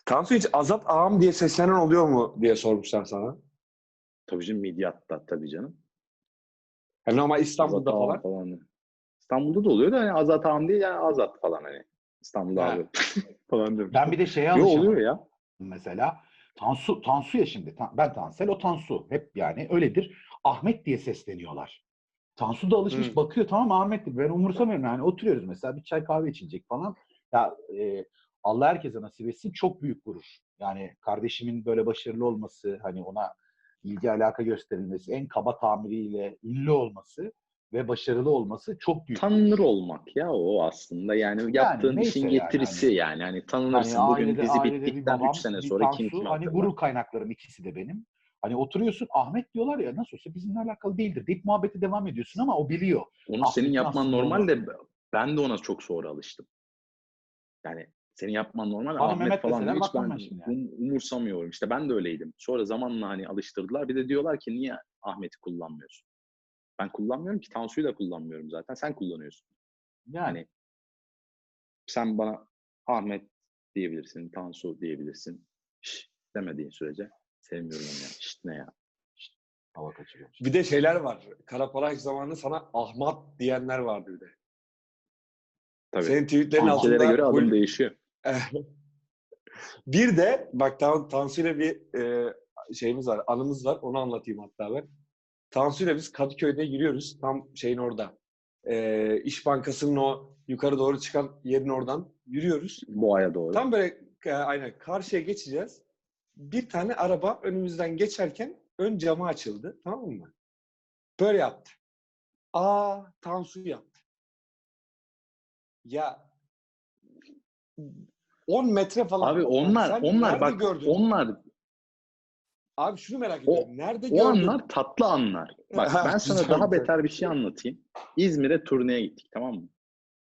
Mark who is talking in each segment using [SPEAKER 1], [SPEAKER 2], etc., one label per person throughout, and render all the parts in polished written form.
[SPEAKER 1] Tansu hiç Azat ağam diye seslenen oluyor mu diye sormuşlar sana.
[SPEAKER 2] Tabii canım, Midyat'ta tabii canım.
[SPEAKER 1] Yani normal
[SPEAKER 2] Azat
[SPEAKER 1] İstanbul'da
[SPEAKER 2] ağam
[SPEAKER 1] falan.
[SPEAKER 2] falan. İstanbul'da da oluyor da hani Azat ağam değil yani Azat falan hani. İstanbul'da
[SPEAKER 1] Ha.
[SPEAKER 2] abi falan demiş.
[SPEAKER 3] Ben bir de şeye
[SPEAKER 2] Yo oluyor
[SPEAKER 3] alışamadım.
[SPEAKER 2] ya.
[SPEAKER 3] Mesela Tansu ya şimdi. Ben Tansel, o Tansu. Hep yani öyledir. Ahmet diye sesleniyorlar. Tansu da alışmış bakıyor, tamam Ahmet diye. Ben umursamıyorum yani, oturuyoruz mesela bir çay kahve içilecek falan. Ya Allah herkese nasip etsin, çok büyük gurur. Yani kardeşimin böyle başarılı olması, hani ona ilgi alaka gösterilmesi, en kaba tabiriyle ünlü olması ve başarılı olması çok büyük
[SPEAKER 2] Tanınır
[SPEAKER 3] gurur.
[SPEAKER 2] olmak ya o aslında. Yani
[SPEAKER 3] Yani
[SPEAKER 2] yaptığın
[SPEAKER 3] neyse
[SPEAKER 2] işin
[SPEAKER 3] yani
[SPEAKER 2] getirisi
[SPEAKER 3] hani
[SPEAKER 2] yani. Hani
[SPEAKER 3] hani
[SPEAKER 2] tanınırsın. Bugün dizi
[SPEAKER 3] ailede bir
[SPEAKER 2] bittikten 3
[SPEAKER 3] babam,
[SPEAKER 2] sene
[SPEAKER 3] bir
[SPEAKER 2] sonra kim
[SPEAKER 3] Tansu,
[SPEAKER 2] kimi
[SPEAKER 3] hani
[SPEAKER 2] hatırlar.
[SPEAKER 3] gurur kaynaklarım ikisi de benim. Hani oturuyorsun, Ahmet diyorlar ya, nasıl olsa bizimle alakalı değildir deyip muhabbeti devam ediyorsun ama o biliyor.
[SPEAKER 2] Onu senin
[SPEAKER 3] Ahmet'in
[SPEAKER 2] yapman
[SPEAKER 3] aslında
[SPEAKER 2] normal
[SPEAKER 3] onu.
[SPEAKER 2] de ben de ona çok sonra alıştım. Yani senin yapman normal.
[SPEAKER 3] Bana
[SPEAKER 2] Ahmet
[SPEAKER 3] Mehmet
[SPEAKER 2] falan diyor.
[SPEAKER 3] deseler
[SPEAKER 2] Hiç
[SPEAKER 3] bakmam
[SPEAKER 2] ben
[SPEAKER 3] ben şimdi yani.
[SPEAKER 2] umursamıyorum. İşte ben de öyleydim. Sonra zamanla hani alıştırdılar. Bir de diyorlar ki niye Ahmet'i kullanmıyorsun? Ben kullanmıyorum ki. Tansu'yu da kullanmıyorum zaten. Sen kullanıyorsun.
[SPEAKER 3] Yani
[SPEAKER 2] Hani sen bana Ahmet diyebilirsin, Tansu diyebilirsin. Şş demediğin sürece sevmiyorum onu ya. Şşt ne ya?
[SPEAKER 3] hava kaçırıyor.
[SPEAKER 1] Bir de şeyler var. Karaparaj zamanında sana Ahmet diyenler vardı bir de.
[SPEAKER 2] Tabii.
[SPEAKER 1] Senin tweetlerin
[SPEAKER 2] Ülkelere
[SPEAKER 1] altında
[SPEAKER 2] göre adım değişiyor.
[SPEAKER 1] Bir de bak Tansu'yla bir şeyimiz var, anımız var. Onu anlatayım hatta ben. Tansu'yla biz Kadıköy'de yürüyoruz. Tam şeyin orada. İş Bankası'nın o yukarı doğru çıkan yerin oradan yürüyoruz.
[SPEAKER 2] Boğa'ya doğru.
[SPEAKER 1] Tam böyle aynen karşıya geçeceğiz. Bir tane araba önümüzden geçerken ön camı açıldı. Tamam mı? Böyle yaptı. Tansu yaptı. Ya 10 metre falan.
[SPEAKER 2] Abi
[SPEAKER 1] Yani sen
[SPEAKER 2] onlar
[SPEAKER 1] nerede
[SPEAKER 2] bak
[SPEAKER 1] gördün?
[SPEAKER 2] onlar
[SPEAKER 1] Abi şunu merak
[SPEAKER 2] o
[SPEAKER 1] ediyorum. Nerede
[SPEAKER 2] o
[SPEAKER 1] gördün?
[SPEAKER 2] anlar tatlı anlar. Bak
[SPEAKER 1] Ha,
[SPEAKER 2] ben sana
[SPEAKER 1] güzel
[SPEAKER 2] daha
[SPEAKER 1] güzel.
[SPEAKER 2] beter bir şey anlatayım. İzmir'e turneye gittik, tamam mı?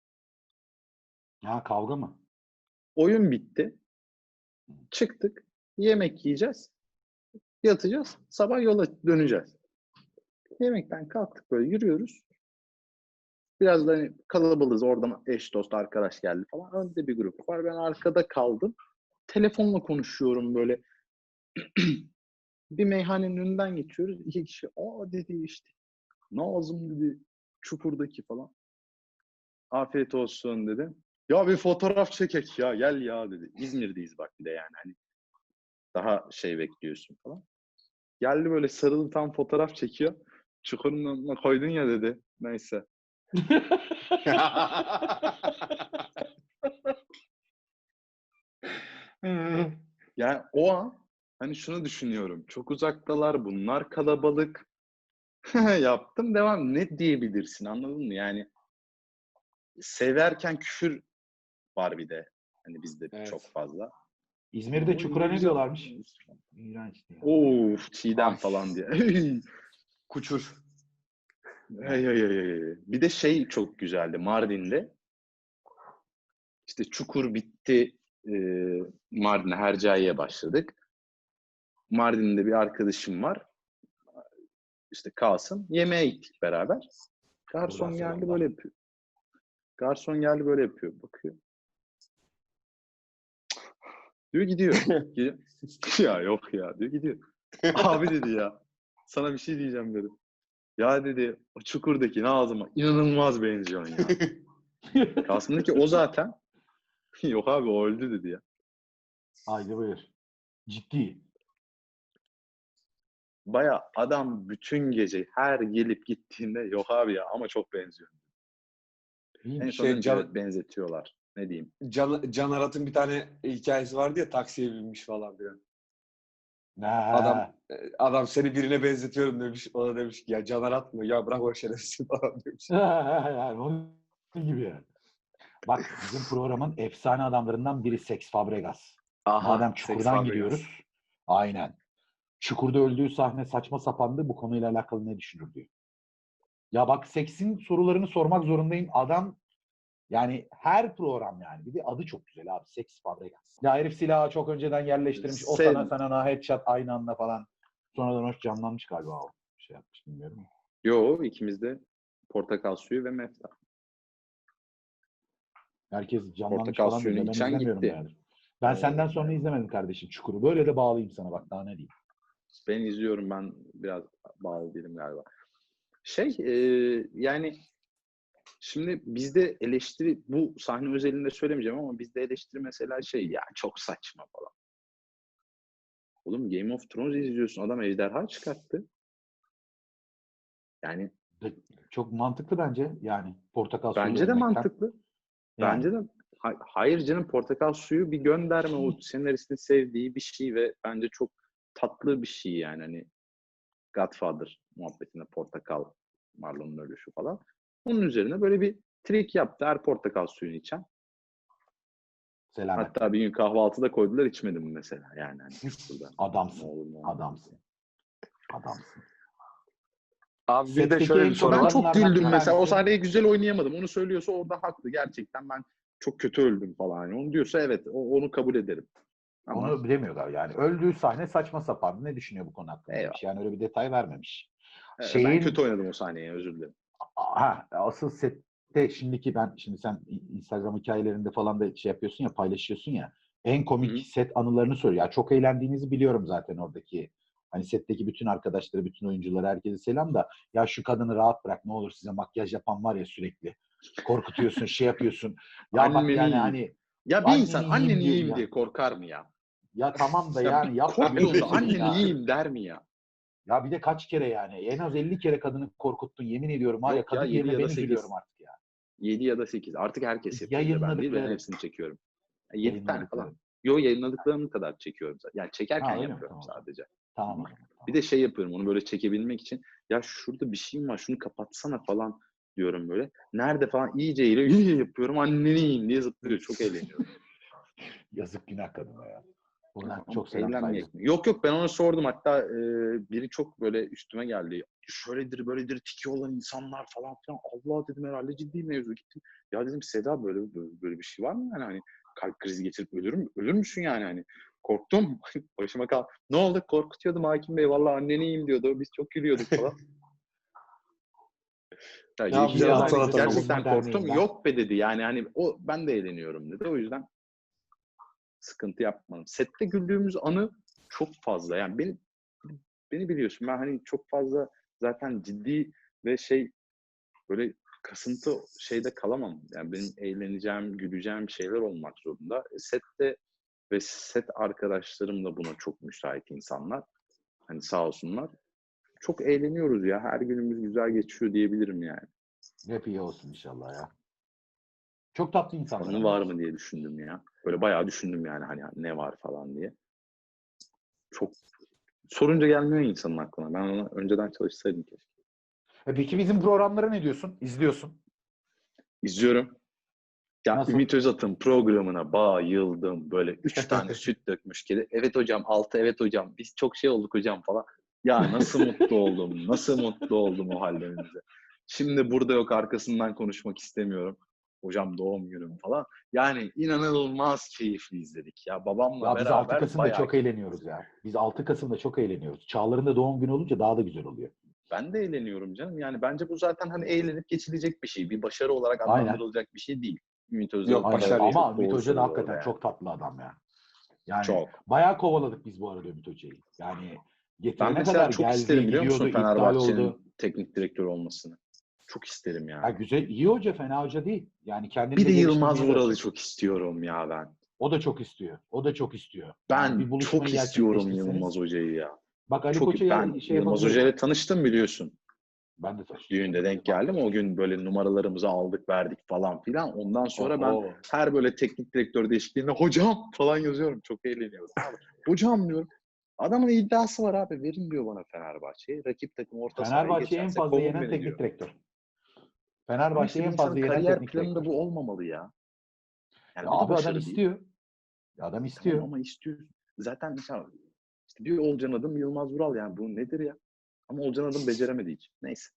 [SPEAKER 3] Ya kavga mı?
[SPEAKER 2] Oyun bitti. Çıktık. Yemek yiyeceğiz. Yatacağız. Sabah yola döneceğiz. Yemekten kalktık, böyle yürüyoruz. Biraz da hani kalabalığız. Oradan eş dost arkadaş geldi falan. Önde bir grup var. Ben arkada kaldım. Telefonla konuşuyorum böyle. Bir meyhanenin önünden geçiyoruz. İki kişi dedi işte. Nazım dedi. Çukurdaki falan. Afiyet olsun dedi. Ya bir fotoğraf çekek ya. Gel ya dedi. İzmir'deyiz bak bir de yani. Hani daha şey bekliyorsun falan. Geldi böyle sarılı tam fotoğraf çekiyor. Çukurun önüne koydun ya dedi. Neyse. Yani o an hani şunu düşünüyorum. Çok uzaktalar, bunlar kalabalık. Yaptım, devam. Ne diyebilirsin, anladın mı? Yani severken küfür var bir de. Hani bizde çok
[SPEAKER 1] Evet.
[SPEAKER 2] fazla.
[SPEAKER 3] İzmir'de
[SPEAKER 2] Ne
[SPEAKER 3] Çukur'a ne
[SPEAKER 2] güzel.
[SPEAKER 3] diyorlarmış? İğrenç diyor.
[SPEAKER 2] Of, Çiğdem
[SPEAKER 1] Ay,
[SPEAKER 2] falan diye.
[SPEAKER 1] kuçur.
[SPEAKER 2] Ay, ay, ay, ay. Bir de şey çok güzeldi Mardin'de. İşte Çukur bitti. Mardin'e Hercai'ye başladık. Mardin'de bir arkadaşım var. İşte Kasım. Yemeğe gittik beraber.
[SPEAKER 3] Buradan
[SPEAKER 2] Garson geldi böyle
[SPEAKER 3] selamlar.
[SPEAKER 2] yapıyor. Garson geldi böyle yapıyor. Bakıyor. Diyor gidiyor. Gidiyor. Ya yok ya diyor gidiyor. Abi dedi ya. Sana bir şey diyeceğim dedi. Ya dedi o Çukur'daki Nazım'a inanılmaz benziyorsun ya. Kasım'daki o zaten. Yok abi o öldü dedi ya.
[SPEAKER 3] Haydi buyur. Ciddi.
[SPEAKER 2] Baya adam bütün gece her gelip gittiğinde yok abi ya ama çok benziyor. En
[SPEAKER 3] İyiymiş.
[SPEAKER 2] son dedim ki evet
[SPEAKER 1] Can,
[SPEAKER 2] benzetiyorlar. Ne diyeyim.
[SPEAKER 1] Can Arat'ın bir tane hikayesi vardı ya, taksiye binmiş falan filan.
[SPEAKER 3] Ha.
[SPEAKER 1] Adam seni birine benzetiyorum demiş. O da demiş ki ya Can Arat mı? Ya bırak o şerefsiz falan demiş.
[SPEAKER 3] Yani onun gibi yani. Bak bizim programın efsane adamlarından biri Sex Fabregas. Madem
[SPEAKER 1] Aha, Sex
[SPEAKER 3] Çukur'dan
[SPEAKER 1] Fabregas.
[SPEAKER 3] gidiyoruz. Aynen. Çukur'da öldüğü sahne saçma sapandı. Bu konuyla alakalı ne düşünür diyor. Ya bak, Sex'in sorularını sormak zorundayım. Adam yani her program yani. Bir de adı çok güzel abi. Sex Fabregas. Ya herif silahı çok önceden yerleştirmiş. O
[SPEAKER 2] Sev
[SPEAKER 3] sana headshot aynı anda falan. Sonradan hoş canlanmış galiba o. Şey yapmış bilmiyorum.
[SPEAKER 2] Yo ikimiz de portakal suyu ve mefta.
[SPEAKER 3] Herkes canlanmış
[SPEAKER 2] Portakal
[SPEAKER 3] falan diyor
[SPEAKER 2] suyunu
[SPEAKER 3] da ben
[SPEAKER 2] içen
[SPEAKER 3] izlemiyorum
[SPEAKER 2] gitti.
[SPEAKER 3] yani. Ben senden sonra izlemedim kardeşim Çukur'u. Böyle de bağlayayım sana bak daha ne diyeyim.
[SPEAKER 2] Ben izliyorum, ben biraz bağlı değilim galiba. Yani şimdi bizde eleştiri, bu sahne özelinde söylemeyeceğim ama bizde eleştiri mesela ya çok saçma falan. Oğlum Game of Thrones izliyorsun, adam ejderha çıkarttı. Yani
[SPEAKER 3] Çok mantıklı bence yani portakal suyu
[SPEAKER 2] bence de
[SPEAKER 3] vermekten.
[SPEAKER 2] mantıklı.
[SPEAKER 3] Yani.
[SPEAKER 2] Bence de hayır canım, portakal suyu bir gönderme, o senaristin sevdiği bir şey ve bence çok tatlı bir şey yani, hani Godfather muhabbetinde portakal, Marlon'un ölüşü falan. Onun üzerine böyle bir trik yaptı, her portakal suyunu içen.
[SPEAKER 3] Selamet.
[SPEAKER 2] Hatta bir gün kahvaltıda koydular, içmedim mesela yani. Hani burada.
[SPEAKER 3] Adamsın.
[SPEAKER 2] Ne olur, ne olmaz.
[SPEAKER 3] Adamsın. Adamsın.
[SPEAKER 1] Abi bir de
[SPEAKER 3] Setteki
[SPEAKER 1] şöyle
[SPEAKER 3] en
[SPEAKER 1] bir
[SPEAKER 3] çok
[SPEAKER 1] soru
[SPEAKER 2] Ben
[SPEAKER 1] var.
[SPEAKER 2] çok
[SPEAKER 3] Kadınlardan
[SPEAKER 2] güldüm
[SPEAKER 3] bir
[SPEAKER 2] mesela. O
[SPEAKER 3] tanesi.
[SPEAKER 2] sahneyi güzel oynayamadım. Onu söylüyorsa orada haklı. Gerçekten ben çok kötü öldüm falan. Yani onu diyorsa evet, onu kabul ederim. Ama
[SPEAKER 3] Onu bilemiyorlar yani. Öldüğü sahne saçma sapan. Ne düşünüyor bu konu hakkında demiş.
[SPEAKER 2] eyvallah.
[SPEAKER 3] Yani öyle bir detay vermemiş.
[SPEAKER 2] Ben kötü oynadım o sahneyi, özür dilerim.
[SPEAKER 3] Asıl sette şimdi sen Instagram hikayelerinde falan da şey yapıyorsun ya, paylaşıyorsun ya. En komik
[SPEAKER 2] Hı-hı.
[SPEAKER 3] set anılarını söylüyor. Ya çok eğlendiğinizi biliyorum zaten oradaki. Hani setteki bütün arkadaşları, bütün oyuncuları, herkese selam da ya şu kadını rahat bırak ne olur, size makyaj yapan var ya sürekli. Korkutuyorsun, şey yapıyorsun. Ya bak
[SPEAKER 2] Anneni
[SPEAKER 3] yani
[SPEAKER 2] yiyeyim.
[SPEAKER 3] hani
[SPEAKER 2] Ya bir insan
[SPEAKER 3] anneni yiyeyim
[SPEAKER 2] anneni
[SPEAKER 3] diyor
[SPEAKER 2] yiyeyim
[SPEAKER 3] ya.
[SPEAKER 2] diye korkar mı ya?
[SPEAKER 3] Ya tamam da
[SPEAKER 2] Ya
[SPEAKER 3] yani
[SPEAKER 2] bir
[SPEAKER 3] yapma
[SPEAKER 2] korktuğunda
[SPEAKER 3] gözünü
[SPEAKER 2] anneni
[SPEAKER 3] ya.
[SPEAKER 2] yiyeyim der mi ya?
[SPEAKER 3] Ya bir de kaç kere yani. En az 50 kere kadını korkuttun. Yemin ediyorum var ya,
[SPEAKER 2] Yok ya,
[SPEAKER 3] kadın
[SPEAKER 2] 7
[SPEAKER 3] yerine
[SPEAKER 2] ya
[SPEAKER 3] ben
[SPEAKER 2] da 8.
[SPEAKER 3] üzülüyorum artık ya.
[SPEAKER 2] 7 ya da 8. Artık herkes yapıyor. Bir de ben değil, ben
[SPEAKER 3] Yayınladıkları.
[SPEAKER 2] hepsini çekiyorum. 7 tane
[SPEAKER 3] Yayınladıkları.
[SPEAKER 2] falan. Yo, yayınladıklarım kadar çekiyorum zaten. Yani çekerken
[SPEAKER 3] Ha öyle mi?
[SPEAKER 2] yapıyorum
[SPEAKER 3] Tamam o zaman.
[SPEAKER 2] sadece.
[SPEAKER 3] Tamam o zaman.
[SPEAKER 2] Bir de yapıyorum, onu böyle çekebilmek için. Ya şurada bir şeyim var, şunu kapatsana falan diyorum böyle. Nerede falan iyice yapıyorum. Anneni yiyeyim diye zıplıyor. Çok eğleniyorum.
[SPEAKER 3] Yazık, günah kadına ya. Buradan
[SPEAKER 2] Ama
[SPEAKER 3] çok selam
[SPEAKER 2] eğlenmeyecek
[SPEAKER 3] saygı.
[SPEAKER 2] mi? Yok, ben ona sordum. Hatta biri çok böyle üstüme geldi. Şöyledir böyledir tiki olan insanlar falan filan. Allah dedim, herhalde ciddi mevzu. Gittim. Ya dedim, Seda böyle bir şey var mı yani, hani kalp krizi geçirip ölür müsün yani, hani korktum. Başıma kal. Ne oldu? Korkutuyordum hakim bey. Vallahi anneni yiyeyim diyordu. Biz çok gülüyorduk falan. Ya
[SPEAKER 1] Ne yapacağız
[SPEAKER 2] yani
[SPEAKER 1] Hasan Atatürk?
[SPEAKER 2] gerçekten
[SPEAKER 3] Savunma
[SPEAKER 2] korktum.
[SPEAKER 3] Derneği'nden.
[SPEAKER 2] Yok be dedi. Yani hani ben de eğleniyorum dedi. O yüzden sıkıntı yapmadım. Sette güldüğümüz anı çok fazla. Yani beni biliyorsun. Ben hani çok fazla zaten ciddi ve böyle kasıntı şeyde kalamam. Yani benim eğleneceğim, güleceğim şeyler olmak zorunda. Sette ve set arkadaşlarım da buna çok müsait insanlar. Hani sağ olsunlar. Çok eğleniyoruz ya. Her günümüz güzel geçiyor diyebilirim yani.
[SPEAKER 3] Hep iyi olsun inşallah ya. Çok tatlı insanlar
[SPEAKER 2] Anı
[SPEAKER 3] ama.
[SPEAKER 2] var mı diye düşündüm ya. Böyle bayağı düşündüm yani, hani ne var falan diye. Çok sorunca gelmiyor insanın aklına. Ben ona önceden çalışsaydım keşke.
[SPEAKER 3] Peki bizim programlara ne diyorsun? İzliyorsun.
[SPEAKER 2] İzliyorum. Ya
[SPEAKER 3] Nasıl?
[SPEAKER 2] Ümit Özat'ın programına bayıldım. Böyle 3 tane süt dökmüş kedi. Evet hocam, 6 evet hocam. Biz çok olduk hocam falan. Ya nasıl mutlu oldum. Nasıl mutlu oldum o hallerinize. Şimdi burada yok, arkasından konuşmak istemiyorum. Hocam doğum günüm falan. Yani inanılmaz keyifli izledik. Ya babamla
[SPEAKER 3] Ya biz 6
[SPEAKER 2] beraber
[SPEAKER 3] Kasım'da
[SPEAKER 2] bayağı
[SPEAKER 3] çok eğleniyoruz ya. Biz 6 Kasım'da çok eğleniyoruz. Çağlar'ın da doğum günü olunca daha da güzel oluyor.
[SPEAKER 2] Ben de eğleniyorum canım. Yani bence bu zaten hani eğlenip geçilecek bir şey. Bir başarı olarak
[SPEAKER 3] Aynen.
[SPEAKER 2] adlandırılacak bir şey değil. Ümit
[SPEAKER 1] Yok,
[SPEAKER 2] Özdağ
[SPEAKER 3] Aynen.
[SPEAKER 1] başarı.
[SPEAKER 3] Ama
[SPEAKER 2] çok
[SPEAKER 3] Ümit
[SPEAKER 2] doğru
[SPEAKER 3] Hoca da
[SPEAKER 2] söylüyor orada
[SPEAKER 3] hakikaten
[SPEAKER 2] yani.
[SPEAKER 3] çok tatlı adam ya. Yani
[SPEAKER 2] Çok.
[SPEAKER 3] bayağı kovaladık biz bu arada Ümit Hoca'yı. Yani
[SPEAKER 2] Ben
[SPEAKER 3] getirene
[SPEAKER 2] mesela
[SPEAKER 3] kadar
[SPEAKER 2] çok
[SPEAKER 3] geldi,
[SPEAKER 2] isterim, biliyor musun,
[SPEAKER 3] gidiyordu, iptal oldu.
[SPEAKER 2] Fenerbahçe'nin teknik direktör olmasını. Çok isterim
[SPEAKER 3] Ya
[SPEAKER 2] yani.
[SPEAKER 3] güzel, iyi hoca, fena hoca değil. Yani kendini
[SPEAKER 2] Bir
[SPEAKER 3] de
[SPEAKER 2] de Yılmaz
[SPEAKER 3] geliştirmeye de
[SPEAKER 2] Vural'ı
[SPEAKER 3] açık.
[SPEAKER 2] çok istiyorum ya ben.
[SPEAKER 3] O da çok istiyor. O da çok istiyor. Yani bir
[SPEAKER 2] Ben çok
[SPEAKER 3] buluşmayı
[SPEAKER 2] istiyorum
[SPEAKER 3] gerçekleştirseniz.
[SPEAKER 2] Yılmaz Hoca'yı ya.
[SPEAKER 3] Bak Ali
[SPEAKER 2] Çok,
[SPEAKER 3] Koç'a
[SPEAKER 2] ben
[SPEAKER 3] şey
[SPEAKER 2] Yılmaz
[SPEAKER 3] yapabiliriz.
[SPEAKER 2] Hoca'yla tanıştım biliyorsun.
[SPEAKER 3] Ben de tanıştım.
[SPEAKER 2] Düğünde denk geldim. O gün böyle numaralarımızı aldık verdik falan filan. Ondan sonra ben
[SPEAKER 1] Oho.
[SPEAKER 2] her böyle teknik direktör değişikliğinde hocam falan yazıyorum. Çok eğleniyorum. Abi, hocam diyorum. Adamın iddiası var abi. Verin diyor bana Fenerbahçe'yi. Rakip takım orta sahaya
[SPEAKER 3] Fenerbahçe'yi en
[SPEAKER 2] geçerse
[SPEAKER 3] fazla
[SPEAKER 2] kovun
[SPEAKER 3] yenen
[SPEAKER 2] beni diyor.
[SPEAKER 3] teknik direktör.
[SPEAKER 2] Ama işte
[SPEAKER 3] Fenerbahçe'yi
[SPEAKER 2] bir
[SPEAKER 3] en
[SPEAKER 2] insanın
[SPEAKER 3] fazla yenen
[SPEAKER 2] kariyer
[SPEAKER 3] teknik
[SPEAKER 2] planında
[SPEAKER 3] direktör.
[SPEAKER 2] bu olmamalı ya.
[SPEAKER 3] Ya
[SPEAKER 2] Yani bu da
[SPEAKER 3] abi adam
[SPEAKER 2] başarı değil.
[SPEAKER 3] istiyor. Adam
[SPEAKER 2] Tamam
[SPEAKER 3] istiyor.
[SPEAKER 2] ama istiyor. Zaten mesela işte bir Olcan adım Yılmaz Vural, yani bu nedir ya? Ama Olcan adım beceremedi hiç. Neyse.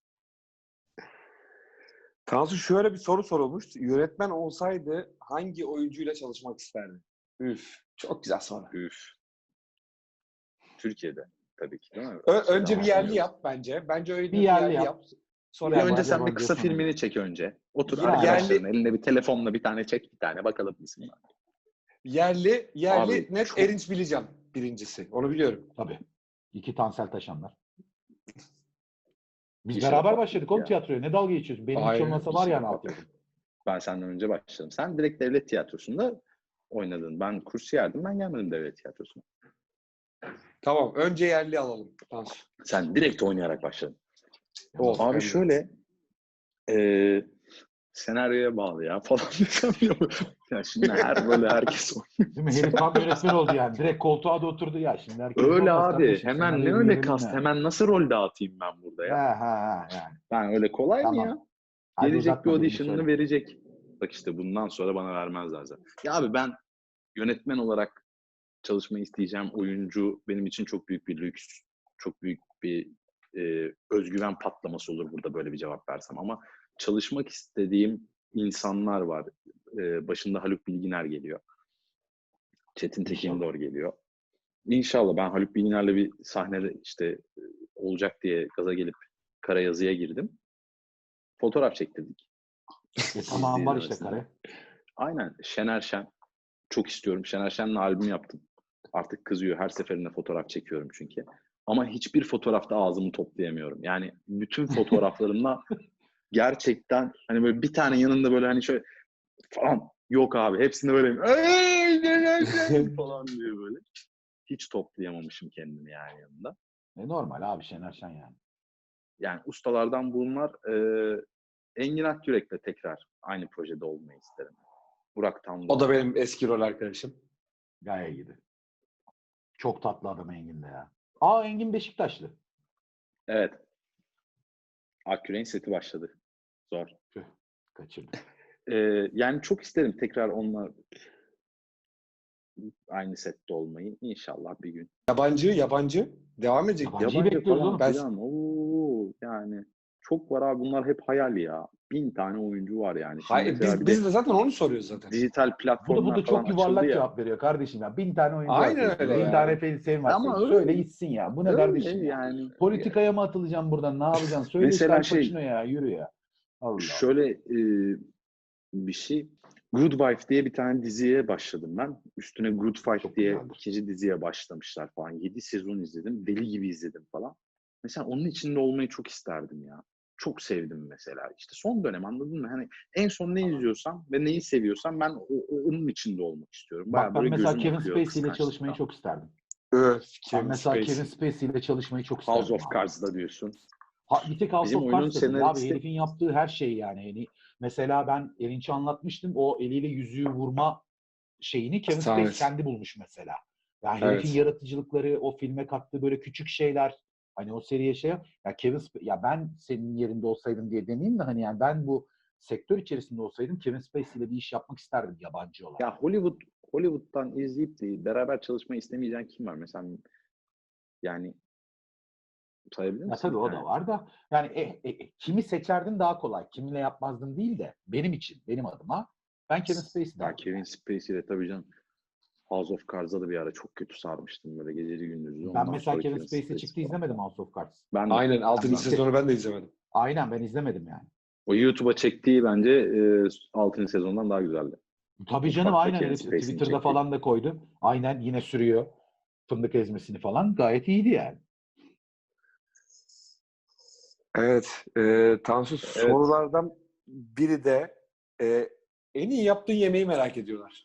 [SPEAKER 1] Tansu şöyle bir soru sorulmuş. Yönetmen olsaydı hangi oyuncuyla çalışmak isterdi? Üf. Çok güzel soru.
[SPEAKER 2] Üf. Türkiye'de tabii ki değil mi?
[SPEAKER 1] Önce bir yerli
[SPEAKER 2] Bilmiyorum.
[SPEAKER 1] yap bence. Bence
[SPEAKER 3] Bir
[SPEAKER 1] önce bir
[SPEAKER 3] yerli
[SPEAKER 1] yerli
[SPEAKER 3] yap.
[SPEAKER 1] yap. Sonra
[SPEAKER 2] Bir
[SPEAKER 3] Yerli
[SPEAKER 2] önce
[SPEAKER 3] yap,
[SPEAKER 2] sen bir
[SPEAKER 3] yabancıya
[SPEAKER 2] kısa
[SPEAKER 3] sonra
[SPEAKER 2] filmini
[SPEAKER 3] git.
[SPEAKER 2] çek önce. Otur
[SPEAKER 3] Yani
[SPEAKER 2] arkadaşların
[SPEAKER 1] yerli
[SPEAKER 2] elinde bir telefonla bir tane çek, bir tane bakalım bizim.
[SPEAKER 1] Yerli
[SPEAKER 2] Abi,
[SPEAKER 1] net
[SPEAKER 2] çok-
[SPEAKER 1] Erinç Bileceğim birincisi. Onu biliyorum.
[SPEAKER 3] Tabii. 2 Tansel Taşanlar. Biz
[SPEAKER 2] İşe
[SPEAKER 3] beraber
[SPEAKER 2] bak
[SPEAKER 3] başladık oğlum
[SPEAKER 2] ya.
[SPEAKER 3] tiyatroya. Ne dalga geçiyorsun? Benim hiç
[SPEAKER 1] Aynen.
[SPEAKER 3] olmasa var
[SPEAKER 2] İşe
[SPEAKER 3] yani
[SPEAKER 2] bak.
[SPEAKER 3] altyapım.
[SPEAKER 2] Ben senden önce başladım. Sen direkt devlet tiyatrosunda oynadın. Ben kursiyerdim. Ben gelmedim devlet tiyatrosuna.
[SPEAKER 1] Tamam. Önce yerli alalım. Tansu.
[SPEAKER 2] Sen direkt oynayarak başladın.
[SPEAKER 1] Of, hem
[SPEAKER 2] Abi
[SPEAKER 1] de.
[SPEAKER 2] şöyle senaryoya bağlı ya falan desem ya. Ya şimdi böyle herkes
[SPEAKER 3] Değil mi? Herif tam yönetmen oldu yani. Direkt koltuğa da oturdu ya. Şimdi herkes
[SPEAKER 2] öyle
[SPEAKER 3] olmaz
[SPEAKER 2] abi.
[SPEAKER 3] kardeşim.
[SPEAKER 2] Hemen ne
[SPEAKER 3] Senaryoyu
[SPEAKER 2] öyle
[SPEAKER 3] verelim
[SPEAKER 2] kast?
[SPEAKER 3] yani.
[SPEAKER 2] Hemen nasıl rol dağıtayım ben burada ya?
[SPEAKER 3] Ha yani.
[SPEAKER 2] Ben öyle kolay mı ya?
[SPEAKER 3] Tamam. Hadi
[SPEAKER 2] Gelecek bir
[SPEAKER 3] uzatma, birini
[SPEAKER 2] audition'ını
[SPEAKER 3] söyle.
[SPEAKER 2] verecek. Bak işte bundan sonra bana vermezler zaten. Ya abi ben yönetmen olarak çalışmayı isteyeceğim oyuncu benim için çok büyük bir lüks. Çok büyük bir özgüven patlaması olur burada böyle bir cevap versem. Ama çalışmak istediğim insanlar var. Başında Haluk Bilginer geliyor. Çetin Tekindor geliyor. İnşallah ben Haluk Bilginer'le bir sahnede işte olacak diye gaza gelip Karayazı'ya girdim. Fotoğraf çektirdik.
[SPEAKER 3] Tamam var işte
[SPEAKER 2] İzlemesine.
[SPEAKER 3] kare.
[SPEAKER 2] Aynen. Şener Şen. Çok istiyorum. Şener Şen'le albüm yaptım. Artık kızıyor. Her seferinde fotoğraf çekiyorum çünkü. Ama hiçbir fotoğrafta ağzımı toplayamıyorum. Yani bütün fotoğraflarımda gerçekten hani böyle bir tane yanında böyle hani şöyle falan yok abi. Hepsinde böyle "Ey, Şener Şen!" falan diyor böyle. Hiç toplayamamışım kendimi yani yanında.
[SPEAKER 3] Normal abi Şener Şen yani.
[SPEAKER 2] Yani ustalardan bunlar Engin Akyürek'le tekrar aynı projede olmayı isterim. Burak
[SPEAKER 1] O da
[SPEAKER 2] Tandoğan'la.
[SPEAKER 1] benim eski rol arkadaşım.
[SPEAKER 3] Gayet iyiydi. Çok tatlı adam Engin de ya. Engin Beşiktaşlı.
[SPEAKER 2] Evet. Akyürek'in seti başladı. Zor.
[SPEAKER 3] Tüh, kaçırdım.
[SPEAKER 2] Yani çok isterim tekrar onunla aynı sette olmayı. İnşallah bir gün.
[SPEAKER 1] Yabancı. Devam edecek.
[SPEAKER 3] Yabancıyı bekliyoruz oğlum.
[SPEAKER 1] Ben-
[SPEAKER 2] filan. Oo, yani çok var abi. Bunlar hep hayal ya. 1000 tane oyuncu var yani. Şimdi
[SPEAKER 1] Hayır,
[SPEAKER 2] mesela bir
[SPEAKER 1] biz
[SPEAKER 2] de
[SPEAKER 1] de zaten onu soruyoruz zaten.
[SPEAKER 2] dijital
[SPEAKER 3] Bu da
[SPEAKER 2] platformlar falan
[SPEAKER 3] çok
[SPEAKER 2] açıldı
[SPEAKER 3] yuvarlak
[SPEAKER 2] ya.
[SPEAKER 3] cevap veriyor kardeşim ya. 1000 tane oyuncu var.
[SPEAKER 1] Aynen
[SPEAKER 3] Twitter'da,
[SPEAKER 1] öyle
[SPEAKER 3] 1000
[SPEAKER 1] ya.
[SPEAKER 3] tane sevim var.
[SPEAKER 2] Ama
[SPEAKER 3] Söyle
[SPEAKER 2] öyle,
[SPEAKER 3] gitsin ya. Bu ne kardeşim ya?
[SPEAKER 2] yani.
[SPEAKER 3] Politikaya mı atılacaksın buradan? Ne yapacaksın? Söyle işte
[SPEAKER 2] Mesela
[SPEAKER 3] Al Pacino ya. Yürü ya. Allah Allah.
[SPEAKER 2] şöyle bir şey. Good Wife diye bir tane diziye başladım ben. Üstüne Good Fight
[SPEAKER 3] Çok
[SPEAKER 2] diye
[SPEAKER 3] güzeldir.
[SPEAKER 2] 2. diziye başlamışlar falan. 7 sezon izledim. Deli gibi izledim falan. Mesela onun içinde olmayı çok isterdim ya. Çok sevdim mesela. İşte son dönem anladın mı? Hani en son ne izliyorsam ve neyi seviyorsam ben onun içinde olmak istiyorum.
[SPEAKER 3] Bak
[SPEAKER 2] Bayağı
[SPEAKER 3] ben
[SPEAKER 2] böyle
[SPEAKER 3] mesela
[SPEAKER 2] gözüm
[SPEAKER 3] Kevin
[SPEAKER 2] akıyor
[SPEAKER 3] Spacey ile çalışmayı
[SPEAKER 2] kıskançlıktan.
[SPEAKER 3] çok isterdim.
[SPEAKER 1] Öf,
[SPEAKER 3] Ben mesela Kevin Spacey ile çalışmayı çok
[SPEAKER 2] House
[SPEAKER 3] isterdim
[SPEAKER 2] of
[SPEAKER 3] abi.
[SPEAKER 2] Cards'da diyorsun.
[SPEAKER 3] Bir tek House
[SPEAKER 2] Bizim
[SPEAKER 3] of
[SPEAKER 2] oyunun
[SPEAKER 3] Cards da değil abi.
[SPEAKER 2] senaristi
[SPEAKER 3] Herifin yaptığı her şey yani. Mesela ben Erinç'e anlatmıştım. O eliyle yüzüğü vurma şeyini Kevin Spacey
[SPEAKER 1] Sahnesi.
[SPEAKER 3] kendi bulmuş mesela. Yani
[SPEAKER 1] Evet.
[SPEAKER 3] herifin yaratıcılıkları, o filme kattığı böyle küçük şeyler, hani o seriye ya ben senin yerinde olsaydım diye demeyeyim de hani yani ben bu sektör içerisinde olsaydım Kevin Spacey ile bir iş yapmak isterdim yabancı olarak.
[SPEAKER 2] ya Hollywood'dan izleyip de beraber çalışmayı istemeyeceğin kim var? Mesela yani sayabilir
[SPEAKER 3] Ya
[SPEAKER 2] misin
[SPEAKER 3] tabii
[SPEAKER 2] bir
[SPEAKER 3] o
[SPEAKER 2] tane?
[SPEAKER 3] da var da yani kimi seçerdim daha kolay. Kiminle yapmazdım değil de benim için, benim adıma ben Kevin Spacey
[SPEAKER 2] Ben
[SPEAKER 3] derdim.
[SPEAKER 2] Kevin Spacey ile tabii canım House of Cards'a da bir ara çok kötü sarmıştım böyle geceli gündüzlü.
[SPEAKER 3] Ben
[SPEAKER 2] Ondan
[SPEAKER 3] mesela
[SPEAKER 2] sonra
[SPEAKER 3] Kevin
[SPEAKER 2] Kevin
[SPEAKER 3] Spacey çıktı
[SPEAKER 2] falan.
[SPEAKER 3] izlemedim House of Cards.
[SPEAKER 2] Ben de.
[SPEAKER 1] Aynen. 6.
[SPEAKER 3] Ben
[SPEAKER 1] sezonu ben de izlemedim.
[SPEAKER 3] Aynen ben izlemedim yani.
[SPEAKER 2] O YouTube'a çektiği bence 6. sezondan daha güzeldi.
[SPEAKER 3] Tabii canım
[SPEAKER 2] Mutfakta
[SPEAKER 3] aynen
[SPEAKER 2] Kevin
[SPEAKER 3] herif
[SPEAKER 2] Spacey'nin
[SPEAKER 3] Twitter'da
[SPEAKER 2] çektiği.
[SPEAKER 3] falan da koydu. Aynen yine sürüyor. Fındık ezmesini falan. Gayet iyiydi yani.
[SPEAKER 1] Evet. Tansu,
[SPEAKER 2] Evet.
[SPEAKER 1] sorulardan biri de en iyi yaptığın yemeği merak ediyorlar.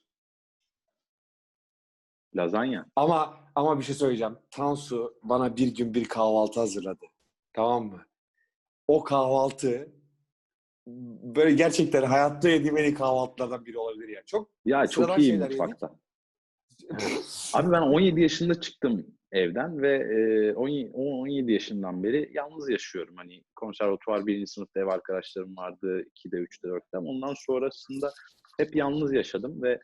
[SPEAKER 2] Lazanya.
[SPEAKER 1] Ama bir şey söyleyeceğim. Tansu bana bir gün bir kahvaltı hazırladı. Tamam mı? O kahvaltı böyle gerçekten hayatta yediğim en iyi kahvaltılardan biri olabilir ya. Çok
[SPEAKER 2] Ya çok
[SPEAKER 1] sıradan
[SPEAKER 2] iyi
[SPEAKER 1] şeyler yedik.
[SPEAKER 2] mutfakta. Abi ben 17 yaşında çıktım evden ve 17 yaşından beri yalnız yaşıyorum. Hani konservatuvar 1. sınıfta ev arkadaşlarım vardı. 2'de, 3'te, 4'te. Ondan sonrasında hep yalnız yaşadım ve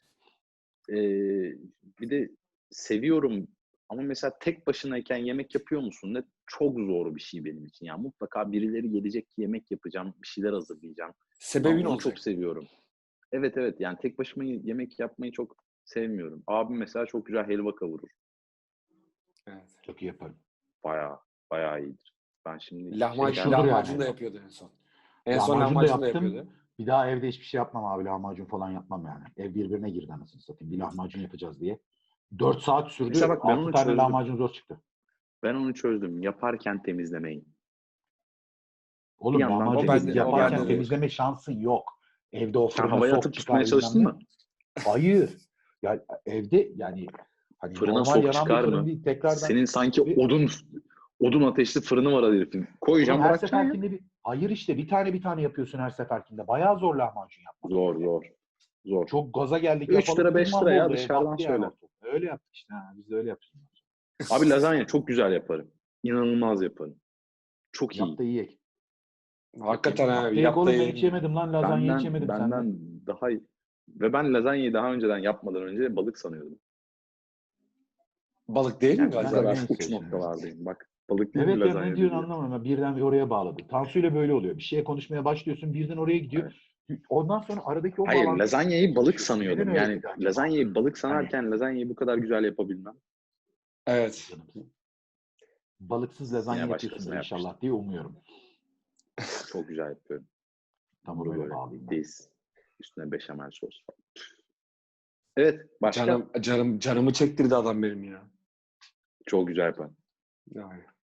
[SPEAKER 2] bir de seviyorum ama mesela tek başınayken yemek yapıyor musun? Ne çok zor bir şey benim için. Yani mutlaka birileri gelecek ki yemek yapacağım, bir şeyler hazırlayacağım. Ben
[SPEAKER 1] Sebebin
[SPEAKER 2] onu
[SPEAKER 1] olacak.
[SPEAKER 2] çok seviyorum. Evet yani tek başıma yemek yapmayı çok sevmiyorum. Abim mesela çok güzel helva kavurur.
[SPEAKER 1] Evet.
[SPEAKER 3] Çok iyi yaparım.
[SPEAKER 2] Bayağı iyidir. Ben şimdi
[SPEAKER 1] Lahmacun,
[SPEAKER 3] Meşhurdur yani
[SPEAKER 1] lahmacun da
[SPEAKER 3] helva.
[SPEAKER 1] yapıyordu en son. En son
[SPEAKER 3] Lahmacun da
[SPEAKER 1] lahmacun da
[SPEAKER 3] yaptım.
[SPEAKER 1] yapıyordu.
[SPEAKER 3] Bir daha evde hiçbir şey yapmam abi. Lahmacun falan yapmam yani. Ev birbirine girdi anasını satayım. Bir lahmacun yapacağız diye. 4 saat sürdü.
[SPEAKER 2] Mesela bak ben
[SPEAKER 3] 6
[SPEAKER 2] onu
[SPEAKER 3] tane
[SPEAKER 2] çözdüm.
[SPEAKER 3] lahmacun zor çıktı.
[SPEAKER 2] Ben onu çözdüm. Yaparken temizlemeyin.
[SPEAKER 3] Oğlum
[SPEAKER 2] yandan
[SPEAKER 3] lahmacun
[SPEAKER 1] bende- o
[SPEAKER 3] yaparken
[SPEAKER 1] bende de yok.
[SPEAKER 3] temizleme şansın yok. Evde o
[SPEAKER 2] Sen
[SPEAKER 3] fırına
[SPEAKER 2] havaya
[SPEAKER 3] sok
[SPEAKER 2] atıp
[SPEAKER 3] çıkar
[SPEAKER 2] tutmaya
[SPEAKER 3] bilmem
[SPEAKER 2] çalıştın
[SPEAKER 3] ne.
[SPEAKER 2] mı?
[SPEAKER 3] Hayır. Ya evde yani hani
[SPEAKER 2] Fırına
[SPEAKER 3] normal
[SPEAKER 2] sok
[SPEAKER 3] yanan bir
[SPEAKER 2] çıkar
[SPEAKER 3] fırın
[SPEAKER 2] mı?
[SPEAKER 3] değil. Tekrardan
[SPEAKER 2] Senin sanki
[SPEAKER 3] bir,
[SPEAKER 2] odun ateşli fırını var herifin.
[SPEAKER 3] oğlum
[SPEAKER 2] Koyacaksın
[SPEAKER 3] her
[SPEAKER 2] bırakacaksın ya.
[SPEAKER 3] seferkinde hayır işte bir tane yapıyorsun her seferkinde. Bayağı zor lahmacun yapmak.
[SPEAKER 2] Zor.
[SPEAKER 3] Çok gaza geldik
[SPEAKER 2] 3
[SPEAKER 3] yapalım
[SPEAKER 2] lira
[SPEAKER 3] dedik
[SPEAKER 2] 5 lira ya
[SPEAKER 3] mahvoldu.
[SPEAKER 2] dışarıdan
[SPEAKER 3] Battı yani
[SPEAKER 2] söyle.
[SPEAKER 3] ortalık. Öyle yaptık işte. Ha, biz de öyle yaptık.
[SPEAKER 2] Abi lazanya çok güzel yaparım. İnanılmaz yaparım. Çok iyi.
[SPEAKER 3] Yap da yiyek.
[SPEAKER 1] Hakikaten abi.
[SPEAKER 3] Yap da
[SPEAKER 1] Yap da
[SPEAKER 3] oğlum ben hiç
[SPEAKER 1] yiyelim ya.
[SPEAKER 3] yemedim lan. Lazanya hiç yemedim sende.
[SPEAKER 2] Benden daha iyi. Ve ben lazanyayı daha önceden yapmadan önce balık sanıyordum.
[SPEAKER 1] Balık değil mi
[SPEAKER 2] Yani
[SPEAKER 3] Ben
[SPEAKER 1] lazanya?
[SPEAKER 2] mesela
[SPEAKER 3] de
[SPEAKER 2] ben
[SPEAKER 3] genç
[SPEAKER 2] uç
[SPEAKER 3] seçtim.
[SPEAKER 2] noktalardayım. Bak balık değil mi
[SPEAKER 3] Evet ya
[SPEAKER 2] lazanya
[SPEAKER 3] ne diyorsun
[SPEAKER 2] dedi.
[SPEAKER 3] anlamadım. Ben birden bir oraya bağladı. Tansu ile böyle oluyor. Bir şeye konuşmaya başlıyorsun birden oraya gidiyor.
[SPEAKER 2] Evet.
[SPEAKER 3] Ondan sonra aradaki o
[SPEAKER 2] Hayır
[SPEAKER 3] bağlantı
[SPEAKER 2] lazanyayı balık
[SPEAKER 3] geçiyor. Neden
[SPEAKER 2] sanıyordum.
[SPEAKER 3] öyle
[SPEAKER 2] Yani
[SPEAKER 3] dedi acaba?
[SPEAKER 2] lazanyayı balık
[SPEAKER 3] Hani
[SPEAKER 2] sanarken lazanyayı bu kadar güzel yapabilmem.
[SPEAKER 1] Evet.
[SPEAKER 3] canım, balıksız lazanya
[SPEAKER 2] Yine
[SPEAKER 3] yapıyorsundur
[SPEAKER 2] başkasına yapmıştım.
[SPEAKER 3] inşallah diye umuyorum.
[SPEAKER 2] Çok güzel yapıyorum.
[SPEAKER 3] Tamam
[SPEAKER 2] Bunu
[SPEAKER 3] öyle
[SPEAKER 2] böyle
[SPEAKER 3] bağlayayım ben.
[SPEAKER 2] deniz. Üstüne beşamel sos falan. Evet başka?
[SPEAKER 1] Canımı çektirdi adam benim ya.
[SPEAKER 2] Çok güzel yaparım.
[SPEAKER 1] Yani.